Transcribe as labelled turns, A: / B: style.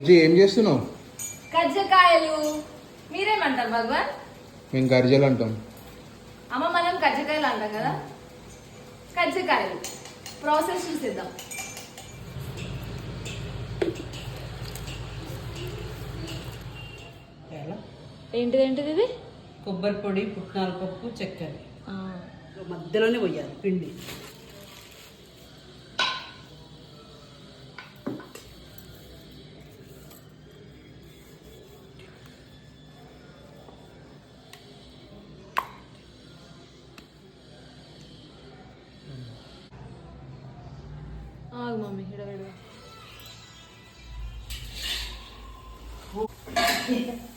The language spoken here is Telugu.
A: ఏం చేస్తున్నావు?
B: కజ్జకాయలు. మీరేమంటారు భగవాన్?
A: మేము గర్జలు అంటాం.
B: అమ్మ మనం కజ్జకాయలు అంటాం కదా. కజ్జకాయలు ప్రాసెస్ చూసేద్దాం. ఏంటిది ఇది?
C: కొబ్బరి పొడి, పుట్నాల పప్పు, చక్కెర మధ్యలోనే పోయాలి పిండి.
B: ఆగు మమ్మీ, ఇక్కడ